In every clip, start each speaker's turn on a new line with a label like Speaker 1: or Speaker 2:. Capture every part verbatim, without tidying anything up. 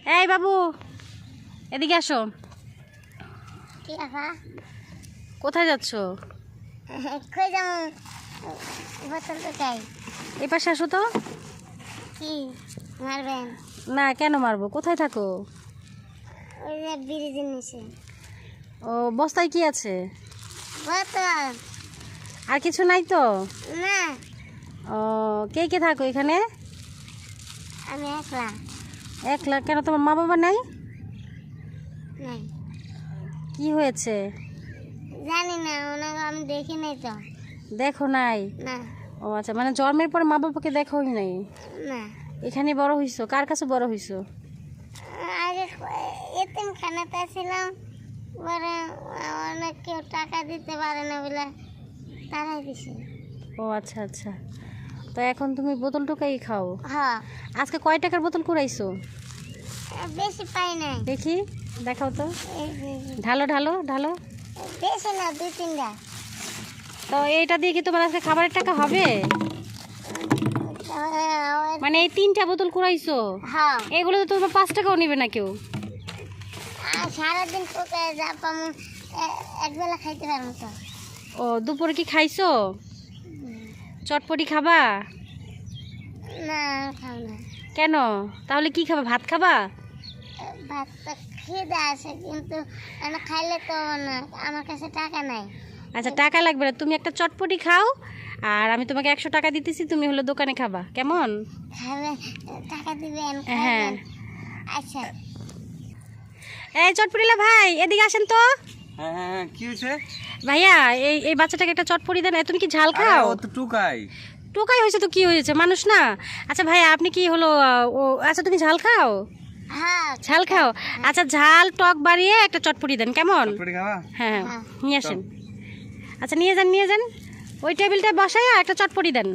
Speaker 1: এই বাবু এদিকে আসো।
Speaker 2: কি আপা?
Speaker 1: কোথায় যাচ্ছ?
Speaker 2: কই যাবো? বোতল তো চাই।
Speaker 1: এই পাশে আসো তো।
Speaker 2: কি মারবেন?
Speaker 1: না, কেন মারবো? কোথায় থাকো?
Speaker 2: ওই যে ব্রিজের নিচে।
Speaker 1: ও, বস্তায় কি আছে?
Speaker 2: বোতল।
Speaker 1: আর কিছু নাই তো?
Speaker 2: না,
Speaker 1: ও, কে কে থাকো এখানে?
Speaker 2: আমি একলা।
Speaker 1: একলা? কেন, তোমার মা বাবা নাই?
Speaker 2: নাই।
Speaker 1: কি হয়েছে?
Speaker 2: জানি না, ওনাকে আমি দেখি নাই তো।
Speaker 1: দেখো নাই?
Speaker 2: না।
Speaker 1: ও আচ্ছা, মানে জন্মের পর মা বাবাকে দেখোই নাই?
Speaker 2: না,
Speaker 1: এখানে বড় হইছো? কার কাছে বড় হইছো?
Speaker 2: আগে এতিম খানাতে ছিলাম, পরে অনেক কেউ টাকা দিতে পারে না বলে তারাই দিছে।
Speaker 1: ও আচ্ছা আচ্ছা, তো এখন তুমি বোতল টোকাই খাও?
Speaker 2: হ্যাঁ।
Speaker 1: আজকে কয় টাকার বোতল কুড়াইছো?
Speaker 2: বেশি পাই নাই।
Speaker 1: দেখি, দেখাও তো।
Speaker 2: এই যে-
Speaker 1: ঢালো ঢালো ঢালো।
Speaker 2: বেশি না, দুই তিনটা।
Speaker 1: তো এইটা দিয়ে কি তোমার আজকে খাবারের টাকা হবে? মানে এই তিনটা বোতল কুড়াইছো,
Speaker 2: হ্যাঁ।
Speaker 1: এগুলো তো তোমার পাঁচ টাকাও নিবে না কেউ।
Speaker 2: আর সারাদিন পোকে যা পাম একবেলা খাইতে পারবো তো।
Speaker 1: ও, দুপুরে কি খাইছো? চটপটি খাবা?
Speaker 2: না, খাও না।
Speaker 1: কেন? তাহলে কি খাবা? ভাত খাবা?
Speaker 2: ভাত তো খিদে আছে, কিন্তু আমি খাইলে তো না, আমার কাছে টাকা নাই।
Speaker 1: আচ্ছা, টাকা লাগবে না, তুমি একটা চটপটি খাও, আর আমি তোমাকে একশো টাকা দিতেছি, তুমি হলো দোকানে খাবা, কেমন?
Speaker 2: খাবে, টাকা দিবেন?
Speaker 1: হ্যাঁ।
Speaker 2: খাবেন? আচ্ছা।
Speaker 1: এই চটপটিলা ভাই, এদিকে আসেন তো।
Speaker 3: হ্যাঁ হ্যাঁ হ্যাঁ, কি হয়েছে?
Speaker 1: ভাইয়া, এই এই বাচ্চাটাকে একটা চটপটি দেন। এ, তুমি কি ঝাল খাও?
Speaker 3: আরে ও তো টুকাই।
Speaker 1: টোকাই হয়েছে তো কি হয়েছে, মানুষ না? আচ্ছা ভাইয়া, আপনি কি হলো আহ, ও আচ্ছা, তুমি ঝাল খাও?
Speaker 2: হ্যাঁ।
Speaker 1: ঝাল খাও? আচ্ছা, ঝাল টক বাড়িয়ে একটা চটপটি দেন, কেমন?
Speaker 3: চটপটি খাওয়া?
Speaker 1: হ্যাঁ
Speaker 2: হ্যাঁ।
Speaker 1: নিয়ে আসেন। আচ্ছা, নিয়ে যান নিয়ে যান, ওই টেবিলটা বসায় একটা চটপটি দেন।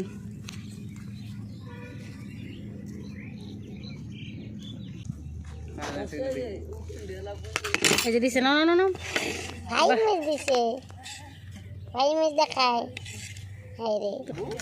Speaker 1: এই যে দিছে, না না না না।
Speaker 2: ভাই মিস দিছে, ভাই মিস দেখায়। হাই রে,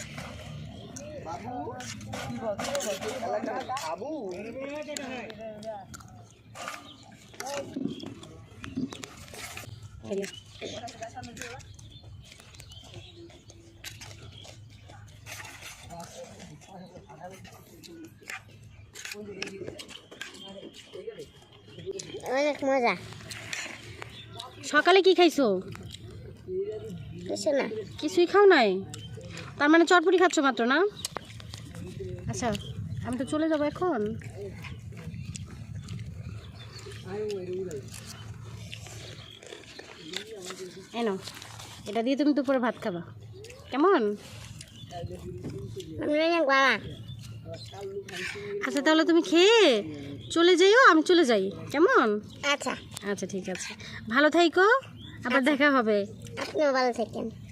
Speaker 2: অনেক মজা।
Speaker 1: সকালে কি খাইছো?
Speaker 2: কিছু না।
Speaker 1: কিছুই খাও নাই? তার মানে চটপটি খাচ্ছ মাত্র, না? আচ্ছা, আমি তো চলে যাবো এখন। এনো, এটা দিয়ে তুমি দুপুরে ভাত খাবা, কেমন?
Speaker 2: আমি অনেক বাবা।
Speaker 1: আচ্ছা, তাহলে তুমি খেয়ে চলে যাইও, আমি চলে যাই, কেমন?
Speaker 2: আচ্ছা,
Speaker 1: আচ্ছা ঠিক আছে, ভালো থাইকো, আবার দেখা হবে।
Speaker 2: আপনিও ভালো থাকেন।